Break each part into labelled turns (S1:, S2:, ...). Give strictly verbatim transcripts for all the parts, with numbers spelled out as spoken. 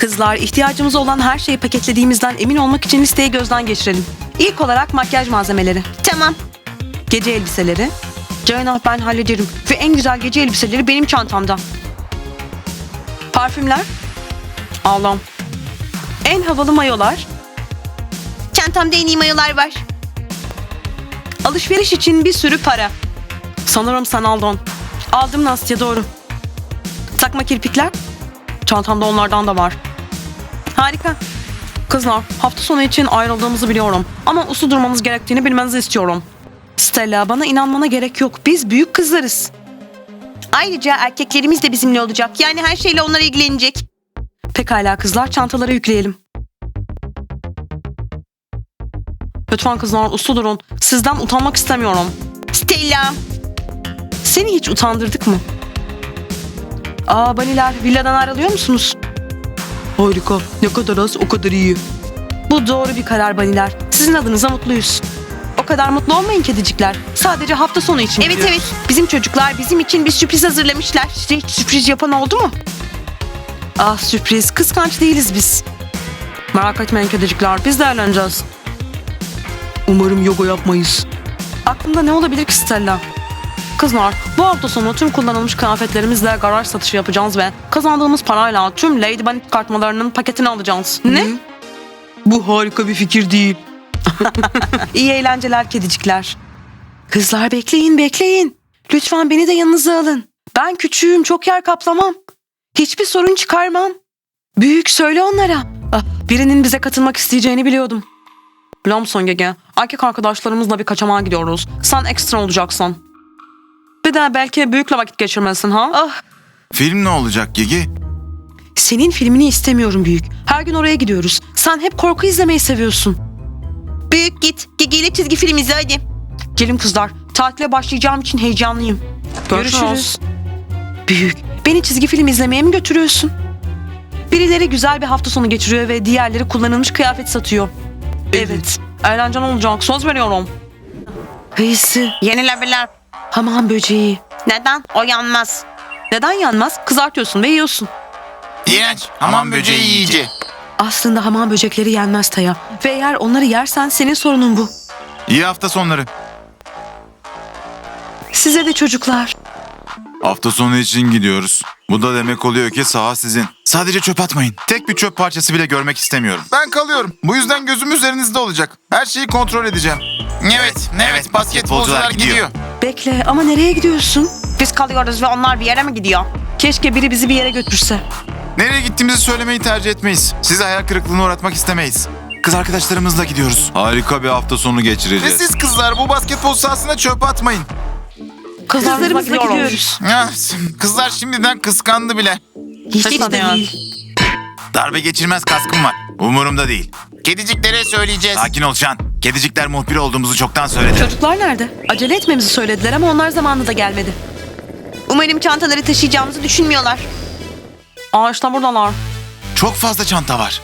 S1: Kızlar, ihtiyacımız olan her şeyi paketlediğimizden emin olmak için listeyi gözden geçirelim. İlk olarak makyaj malzemeleri.
S2: Tamam.
S1: Gece elbiseleri. Ceyna, ben hallederim. Ve en güzel gece elbiseleri benim çantamda. Parfümler. Allah'ım. En havalı mayolar.
S2: Çantamda en iyi mayolar var.
S1: Alışveriş için bir sürü para. Sanırım sen aldın. Aldım Nastya, doğru. Takma kirpikler. Çantamda onlardan da var. Harika. Kızlar, hafta sonu için ayrıldığımızı biliyorum. Ama uslu durmamız gerektiğini bilmenizi istiyorum. Stella, bana inanmana gerek yok. Biz büyük kızlarız.
S2: Ayrıca erkeklerimiz de bizimle olacak. Yani her şeyle onlar ilgilenecek.
S1: Pekala kızlar, çantaları yükleyelim. Lütfen kızlar, uslu durun. Sizden utanmak istemiyorum.
S2: Stella.
S1: Seni hiç utandırdık mı? Aa baniler, villadan ayrılıyor musunuz? Harika. Ne kadar az o kadar iyi. Bu doğru bir karar baniler. Sizin adınıza mutluyuz. O kadar mutlu olmayın kedicikler. Sadece hafta sonu için
S2: Evet
S1: gidiyoruz.
S2: evet. Bizim çocuklar bizim için bir sürpriz hazırlamışlar.
S1: Size hiç sürpriz yapan oldu mu? Ah sürpriz. Kıskanç değiliz biz. Merak etmeyin kedicikler. Biz de eğleneceğiz. Umarım yoga yapmayız. Aklında ne olabilir ki Stella? Kızlar, bu hafta sonu tüm kullanılmış kıyafetlerimizle garaj satışı yapacağız ve kazandığımız parayla tüm Lady Bunny çıkartmalarının paketini alacağız. Ne? Bu harika bir fikir değil. İyi eğlenceler kedicikler. Kızlar bekleyin bekleyin. Lütfen beni de yanınıza alın. Ben küçüğüm, çok yer kaplamam. Hiçbir sorun çıkarmam. Büyük, söyle onlara. Ah, birinin bize katılmak isteyeceğini biliyordum. Biliyor musun Gege? Erkek arkadaşlarımızla bir kaçamağa gidiyoruz. Sen ekstra olacaksın. Bir de belki büyükle vakit geçirmesin ha? Ah,
S3: Film ne olacak Gigi?
S1: senin filmini istemiyorum büyük. Her gün oraya gidiyoruz. Sen hep korku izlemeyi seviyorsun.
S2: Büyük git. Gigi çizgi film izle hadi.
S1: Gelin kızlar. Tatile başlayacağım için heyecanlıyım. Görüşürüz. Büyük. Beni çizgi film izlemeye mi götürüyorsun? Birileri güzel bir hafta sonu geçiriyor ve diğerleri kullanılmış kıyafet satıyor. Evet. Eğlenceli olacak. Söz veriyorum. Kıyısı.
S2: Yenilebilir.
S1: Hamam böceği.
S2: Neden? O yanmaz.
S1: Neden yanmaz? Kızartıyorsun ve yiyorsun.
S3: İğrenç. Hamam böceği yiyici.
S1: Aslında hamam böcekleri yenmez Taya. Ve eğer onları yersen senin sorunun bu.
S3: İyi hafta sonları.
S1: Size de çocuklar.
S3: Hafta sonu için gidiyoruz. Bu da demek oluyor ki saha sizin. Sadece çöp atmayın. Tek bir çöp parçası bile görmek istemiyorum. Ben kalıyorum. Bu yüzden gözüm üzerinizde olacak. Her şeyi kontrol edeceğim. Evet, evet. Basketbolcular gidiyor.
S1: Bekle, ama nereye gidiyorsun?
S2: Biz kalıyoruz ve onlar bir yere mi gidiyor?
S1: Keşke biri bizi bir yere götürse.
S3: Nereye gittiğimizi söylemeyi tercih etmeyiz. Sizi hayal kırıklığına uğratmak istemeyiz. Kız arkadaşlarımızla gidiyoruz. Harika bir hafta sonu geçireceğiz. Ve siz kızlar bu basketbol sahasına çöp atmayın.
S1: Kızlarımızla
S2: gidiyoruz.
S1: gidiyoruz.
S3: Ah, kızlar şimdiden kıskandı bile.
S1: Hiç,
S2: Hiç de değil.
S3: Darbe geçirmez kaskım var. Umurumda değil. Kediciklere söyleyeceğiz. Sakin ol Şan. Kedicikler muhbir olduğumuzu çoktan söyledi.
S1: Çocuklar nerede? Acele etmemizi söylediler ama onlar zamanında gelmedi.
S2: Umarım çantaları taşıyacağımızı düşünmüyorlar.
S1: Aa işte buradalar.
S3: Çok fazla çanta var.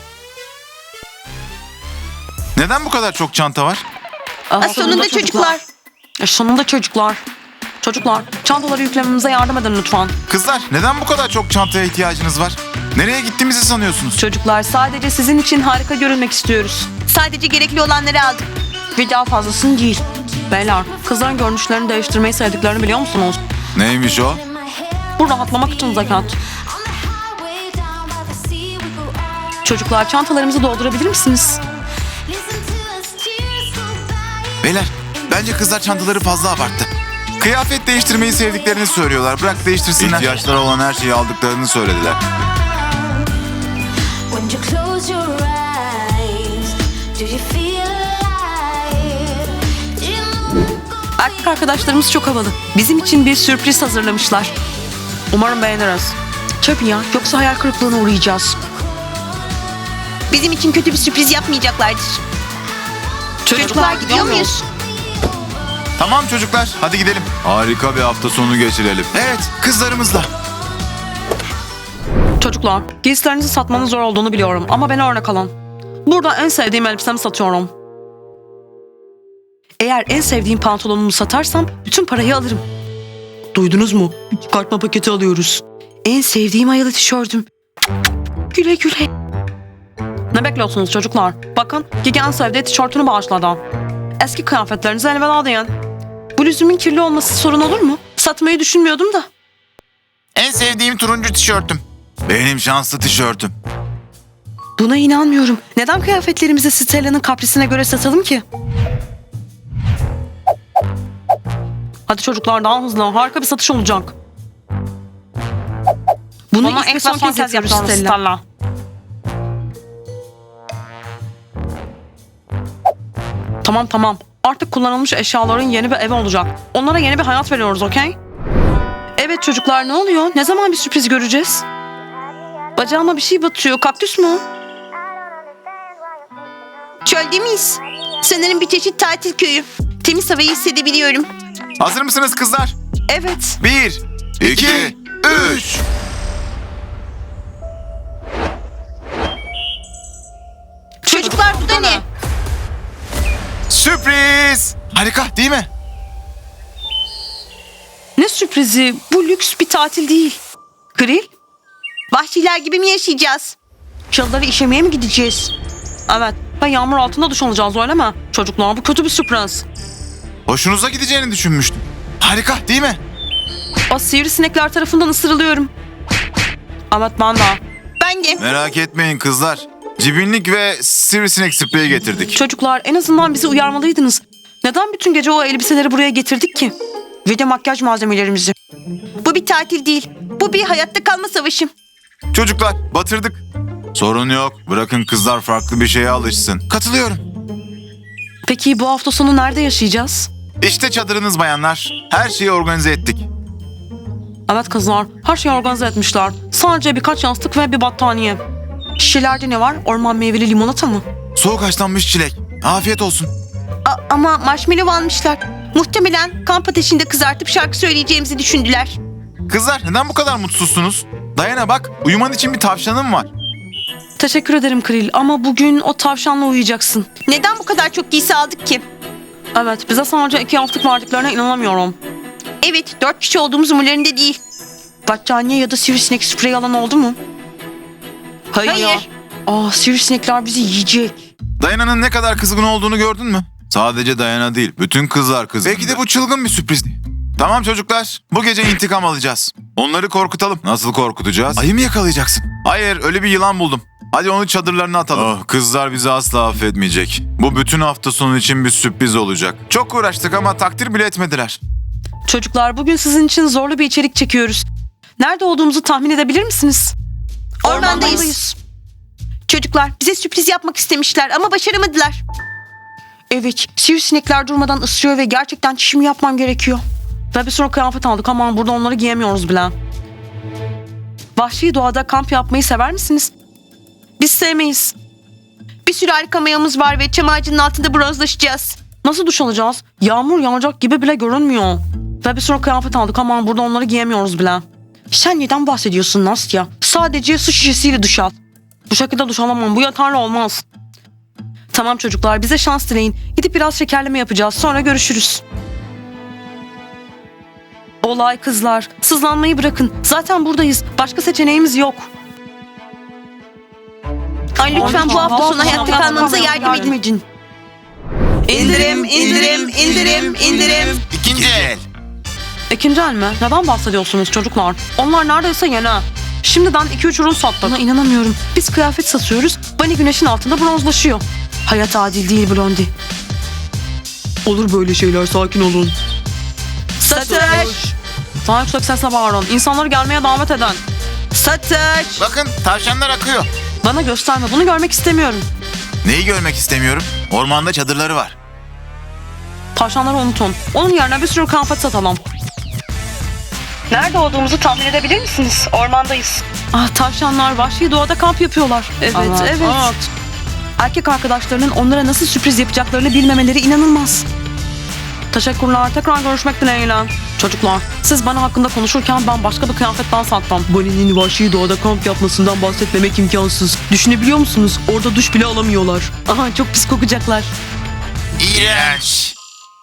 S3: Neden bu kadar çok çanta var?
S1: Aa,
S2: Aa, sonunda çocuklar.
S1: E, sonunda çocuklar. Çocuklar, çantaları yüklememize yardım edin lütfen.
S3: Kızlar neden bu kadar çok çantaya ihtiyacınız var? Nereye gittiğimizi sanıyorsunuz?
S1: Çocuklar, sadece sizin için harika görünmek istiyoruz.
S2: Sadece gerekli olanları aldık.
S1: Bir daha fazlasını değil. Beyler, kızların görünüşlerini değiştirmeyi sevdiklerini biliyor musunuz?
S3: Neymiş o?
S1: Bu rahatlamak için zekat. Çocuklar, çantalarımızı doldurabilir misiniz?
S3: Beyler bence kızlar çantaları fazla abarttı. Kıyafet değiştirmeyi sevdiklerini söylüyorlar. Bırak değiştirsinler. İhtiyaçları olan her şeyi aldıklarını söylediler.
S4: When you close your eyes, do you feel alive? Do you move?
S1: Erkek arkadaşlarımız çok havalı. Bizim için bir sürpriz hazırlamışlar. Umarım beğeniriz. Tabii ya, yoksa hayal kırıklığına uğrayacağız.
S2: Bizim için kötü bir sürpriz yapmayacaklardır. Çocuklar gidiyor muyuz?
S3: Tamam çocuklar hadi gidelim. Harika bir hafta sonu geçirelim. Evet kızlarımızla.
S1: Çocuklar, giysilerinizi satmanın zor olduğunu biliyorum ama beni örnek alın. Burada en sevdiğim elbisemi satıyorum. Eğer en sevdiğim pantolonumu satarsam bütün parayı alırım. Duydunuz mu? Bir çıkartma paketi alıyoruz. En sevdiğim ayalı tişörtüm. Güle güle. Ne bekliyorsunuz çocuklar? Bakın Gigi en sevdiği tişörtünü bağışladı. Eski kıyafetlerinize elveda deyin. Bu lüzumun kirli olması sorun olur mu? Satmayı düşünmüyordum da.
S3: En sevdiğim turuncu tişörtüm. Benim şanslı tişörtüm.
S1: Buna inanmıyorum. Neden kıyafetlerimizi Stella'nın kaprisine göre satalım ki? Hadi çocuklar daha hızlı. Harika bir satış olacak. Bunu
S2: Bunu
S1: ilk ve son kez yapıyoruz Stella. Tamam tamam. Artık kullanılmış eşyaların yeni bir evi olacak. Onlara yeni bir hayat veriyoruz, okey? Evet çocuklar, ne oluyor? Ne zaman bir sürpriz göreceğiz? Bacağıma bir şey batıyor. Kaktüs mü?
S2: Çölde miyiz? Sanırım bir çeşit tatil köyü. Temiz havayı hissedebiliyorum.
S3: Hazır mısınız kızlar?
S1: Evet.
S3: Bir, iki, üç.
S2: Çocuklar bu da ne?
S3: Sürpriz. Harika değil mi?
S1: Ne sürprizi? Bu lüks bir tatil değil. Grill?
S2: Vahşiler gibi mi yaşayacağız?
S1: Çalıları işemeye mi gideceğiz? Evet. Ve yağmur altında duş alacağız, öyle mi? Çocuklar, bu kötü bir sürpriz.
S3: Hoşunuza gideceğini düşünmüştüm. Harika değil mi?
S1: O sivrisinekler tarafından ısırılıyorum. Evet, ben de.
S2: Ben de.
S3: Merak etmeyin kızlar. Cibinlik ve sivrisinek spreyi getirdik.
S1: Çocuklar, en azından bizi uyarmalıydınız. Neden bütün gece o elbiseleri buraya getirdik ki? Ve de makyaj malzemelerimizi.
S2: Bu bir tatil değil. Bu bir hayatta kalma savaşı.
S3: Çocuklar batırdık. Sorun yok. Bırakın kızlar farklı bir şeye alışsın. Katılıyorum.
S1: Peki bu hafta sonu nerede yaşayacağız?
S3: İşte çadırınız bayanlar. Her şeyi organize ettik.
S1: Evet kızlar, her şeyi organize etmişler. Sadece birkaç yastık ve bir battaniye. Şişelerde ne var? Orman meyveli limonata mı?
S3: Soğuk haşlanmış çilek. Afiyet olsun.
S2: A- ama marshmallow almışlar. Muhtemelen kamp ateşinde kızartıp şarkı söyleyeceğimizi düşündüler.
S3: Kızlar neden bu kadar mutsuzsunuz? Dayana bak, uyuman için bir tavşanım var.
S1: Teşekkür ederim Kril, ama bugün o tavşanla uyuyacaksın.
S2: Neden bu kadar çok giysi aldık ki?
S1: Evet, bize sadece iki yastık verdiklerine inanamıyorum.
S2: Evet, dört kişi olduğumuz umurlarında değil.
S1: Battaniye ya da sivrisinek spreyi alan oldu mu? Hayır.
S2: Hayır.
S1: Aa, sivrisinekler bizi yiyecek.
S3: Dayana'nın ne kadar kızgın olduğunu gördün mü? Sadece Dayana değil, bütün kızlar kızgın. Belki de bu çılgın bir sürprizdi. Tamam çocuklar, bu gece intikam alacağız. Onları korkutalım. Nasıl korkutacağız? Ayı mı yakalayacaksın? Hayır, öyle bir yılan buldum. Hadi onu çadırlarına atalım. Oh, kızlar bizi asla affetmeyecek. Bu bütün hafta sonu için bir sürpriz olacak. Çok uğraştık ama takdir bile etmediler.
S1: Çocuklar, bugün sizin için zorlu bir içerik çekiyoruz. Nerede olduğumuzu tahmin edebilir misiniz?
S2: Ormandayız. Çocuklar bize sürpriz yapmak istemişler ama başaramadılar.
S1: Evet, sivrisinekler durmadan ısırıyor ve gerçekten çişimi yapmam gerekiyor. Ve bir sürü kıyafet aldık ama burada onları giyemiyoruz bile. Vahşi doğada kamp yapmayı sever misiniz? Biz sevmeyiz.
S2: Bir sürü harika mayamız var ve çam ağacının altında bronzlaşacağız.
S1: Nasıl duş alacağız? Yağmur yağacak gibi bile görünmüyor. Ve bir sürü kıyafet aldık ama burada onları giyemiyoruz bile. Sen neden bahsediyorsun Nastya? Sadece su şişesiyle duş al. Bu şekilde duş alamam. Bu yeterli olmaz. Tamam çocuklar, bize şans dileyin. Gidip biraz şekerleme yapacağız. Sonra görüşürüz. Olay kızlar. Sızlanmayı bırakın. Zaten buradayız. Başka seçeneğimiz yok.
S2: Ay lütfen bu hafta sonu hayatta kalmamıza yardım edin. İndirim, indirim, indirim, indirim.
S3: İkinci el.
S1: İkinci el mi? Neden bahsediyorsunuz çocuklar? Onlar neredeyse yeni. Şimdiden iki üç ürün sattık. Buna inanamıyorum. Biz kıyafet satıyoruz. Bunny güneşin altında bronzlaşıyor. Hayat adil değil Blondie. Olur böyle şeyler, sakin olun.
S2: Satış,
S1: Daha yüksek sesle bağırın. İnsanları gelmeye davet eden.
S2: satış.
S3: Bakın tavşanlar akıyor.
S1: Bana gösterme, bunu görmek istemiyorum.
S3: Neyi görmek istemiyorum? Ormanda çadırları var.
S1: Tavşanları unutun. Onun yerine bir sürü kıyafet satalım. Nerede olduğumuzu tahmin edebilir misiniz? Ormandayız. Ah, tavşanlar vahşi doğada kamp yapıyorlar. Evet, evet. Erkek arkadaşlarının onlara nasıl sürpriz yapacaklarını bilmemeleri inanılmaz. Teşekkürler. Tekrar görüşmek dileğiyle. Çocuklar, siz bana hakkında konuşurken ben başka bir kıyafetten sattım. Bunny'nin vahşi doğada kamp yapmasından bahsetmemek imkansız. Düşünebiliyor musunuz? Orada duş bile alamıyorlar. Aha, çok pis kokacaklar.
S3: İğrenç.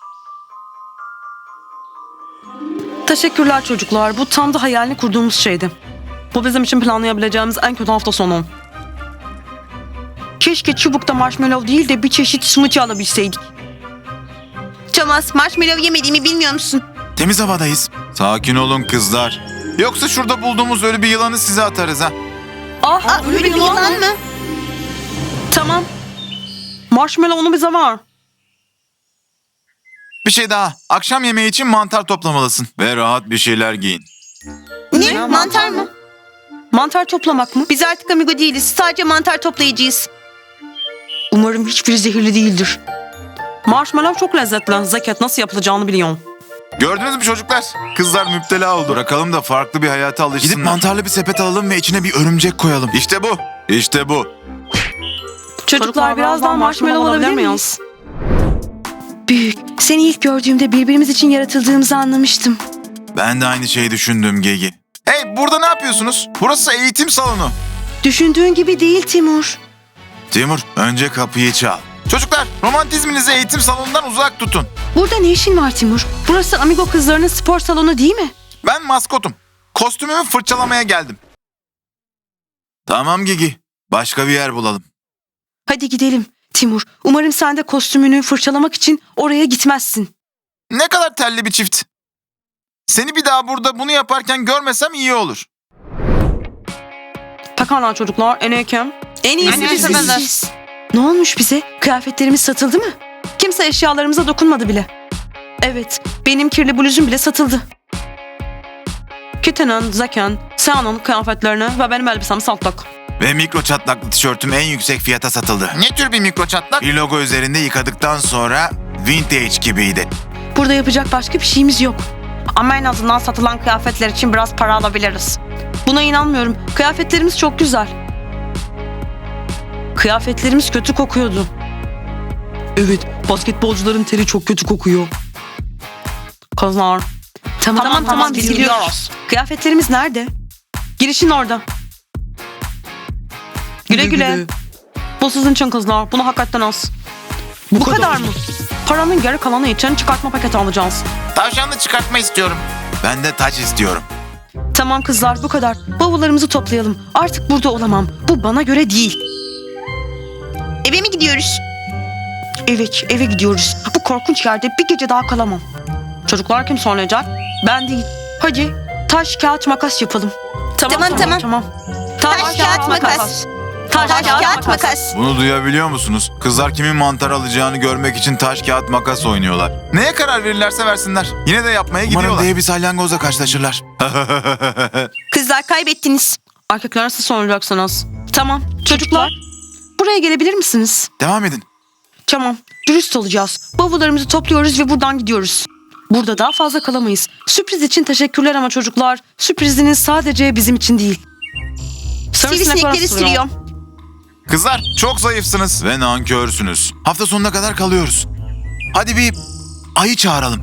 S1: Teşekkürler çocuklar. Bu tam da hayalini kurduğumuz şeydi. Bu bizim için planlayabileceğimiz en kötü hafta sonu. Keşke çubukta marshmallow değil de bir çeşit smoothie alabilseydik.
S2: Thomas, marshmallow yemediğimi bilmiyor musun?
S3: Temiz havadayız. Sakin olun kızlar. Yoksa şurada bulduğumuz ölü bir yılanı size atarız ha.
S1: Ah,
S2: Aa, ölü bir yılan mı?
S1: Tamam. Marshmallow'unu bize ver.
S3: Bir şey daha. Akşam yemeği için mantar toplamalısın. Ve rahat bir şeyler giyin.
S2: Ne? Mantar mı?
S1: Mantar toplamak mı?
S2: Biz artık amigo değiliz. Sadece mantar toplayıcıyız.
S1: Umarım hiçbiri zehirli değildir. Marshmallow çok lezzetli. Zekat nasıl yapılacağını biliyorum.
S3: Gördünüz mü çocuklar? Kızlar müptela oldu. Bırakalım da farklı bir hayata alışsınlar. Gidip mantarlı bir sepet alalım ve içine bir örümcek koyalım. İşte bu. İşte bu.
S1: Çocuklar, biraz daha marshmallow alabilir miyiz?
S2: Büyük. Seni ilk gördüğümde birbirimiz için yaratıldığımızı anlamıştım.
S3: Ben de aynı şeyi düşündüm Gegi. Hey, burada ne yapıyorsunuz? Burası eğitim salonu.
S2: Düşündüğün gibi değil Timur.
S3: Timur, önce kapıyı çal. Çocuklar, romantizminizi eğitim salonundan uzak tutun.
S2: Burada ne işin var Timur?
S1: Burası Amigo kızlarının spor salonu değil mi?
S3: Ben maskotum. Kostümümü fırçalamaya geldim. Tamam Gigi. Başka bir yer bulalım.
S1: Hadi gidelim. Timur, umarım sen de kostümünü fırçalamak için oraya gitmezsin.
S3: Ne kadar telli bir çift. Seni bir daha burada bunu yaparken görmesem iyi olur.
S1: Pekala çocuklar, en iyi kim?
S2: En iyisi
S1: En iyisi
S2: biziz.
S1: biziz. Ne olmuş bize? Kıyafetlerimiz satıldı mı? Kimse eşyalarımıza dokunmadı bile. Evet, benim kirli bluzum bile satıldı. Kitty'nin, Zack'in, Sean'ın kıyafetlerini ve benim elbisemi sattık.
S3: Ve mikro çatlaklı tişörtüm en yüksek fiyata satıldı. Ne tür bir mikro çatlak? Bir logo üzerinde yıkadıktan sonra vintage gibiydi.
S1: Burada yapacak başka bir şeyimiz yok. Ama en azından satılan kıyafetler için biraz para alabiliriz. Buna inanmıyorum. Kıyafetlerimiz çok güzel. Kıyafetlerimiz kötü kokuyordu. Evet, basketbolcuların teri çok kötü kokuyor. Kızlar. Tamam tamam, tamam biz gidiyoruz. Kıyafetlerimiz nerede? Girişin orada. Güle güle. Bu sizin için kızlar. Bunu hakikaten az. Bu, kadar mı? Paranın geri kalanı için çıkartma paketi alacağız.
S3: Tavşanlı çıkartma istiyorum. Ben de taç istiyorum.
S1: Tamam kızlar, bu kadar. Bavullarımızı toplayalım. Artık burada olamam. Bu bana göre değil.
S2: Eve mi gidiyoruz?
S1: Evet, eve gidiyoruz. Bu korkunç yerde bir gece daha kalamam. Çocuklar kim söyleyecek? Ben değil. Hadi taş, kağıt, makas yapalım.
S2: Tamam, tamam.
S1: tamam.
S2: Taş, kağıt, makas. Taş, kağıt, makas.
S3: Bunu duyabiliyor musunuz? Kızlar kimin mantar alacağını görmek için taş kağıt makas oynuyorlar. Neye karar verirlerse versinler. Yine de yapmaya gidiyorlar. Umarım dev bir salyangozla karşılaşırlar.
S2: Kızlar kaybettiniz.
S1: Erkekler nasıl soracaksınız? Tamam. Çocuklar, buraya gelebilir misiniz?
S3: Devam edin.
S1: Tamam. Dürüst olacağız. Bavullarımızı topluyoruz ve buradan gidiyoruz. Burada daha fazla kalamayız. Sürpriz için teşekkürler ama çocuklar, sürpriziniz sadece bizim için değil.
S2: Sivrisinekleri sürüyor.
S3: Kızlar çok zayıfsınız ve nankörsünüz. Hafta sonuna kadar kalıyoruz. Hadi bir ayı çağıralım.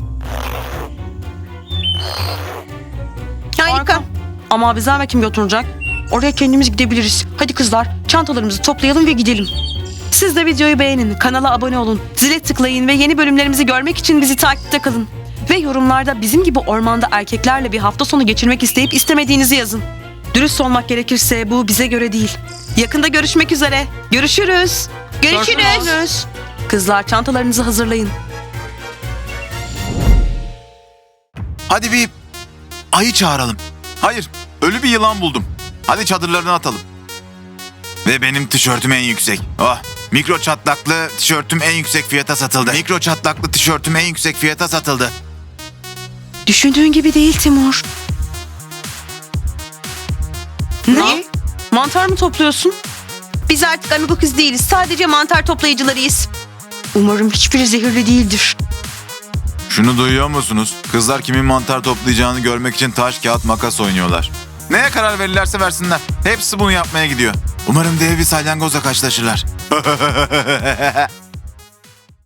S2: Harika.
S1: Ama bize eve kim götürecek? Oraya kendimiz gidebiliriz. Hadi kızlar, çantalarımızı toplayalım ve gidelim. Siz de videoyu beğenin, kanala abone olun, zile tıklayın ve yeni bölümlerimizi görmek için bizi takipte kalın. Ve yorumlarda bizim gibi ormanda erkeklerle bir hafta sonu geçirmek isteyip istemediğinizi yazın. Dürüst olmak gerekirse bu bize göre değil. Yakında görüşmek üzere. Görüşürüz.
S2: Görüşürüz.
S1: Kızlar, çantalarınızı hazırlayın.
S3: Hadi bir ayı çağıralım. Hayır, ölü bir yılan buldum. Hadi çadırlarını atalım. Ve benim tişörtüm en yüksek. Oh, mikro çatlaklı tişörtüm en yüksek fiyata satıldı. Mikro çatlaklı tişörtüm en yüksek fiyata satıldı.
S1: Düşündüğün gibi değil Timur.
S2: Ne?
S1: Mantar mı topluyorsun?
S2: Biz artık amigo kız değiliz. Sadece mantar toplayıcılarıyız.
S1: Umarım hiçbiri zehirli değildir.
S3: Şunu duyuyor musunuz? Kızlar kimin mantar toplayacağını görmek için taş, kağıt, makas oynuyorlar. Neye karar verirlerse versinler. Hepsi bunu yapmaya gidiyor. Umarım dev bir salyangozla karşılaşırlar.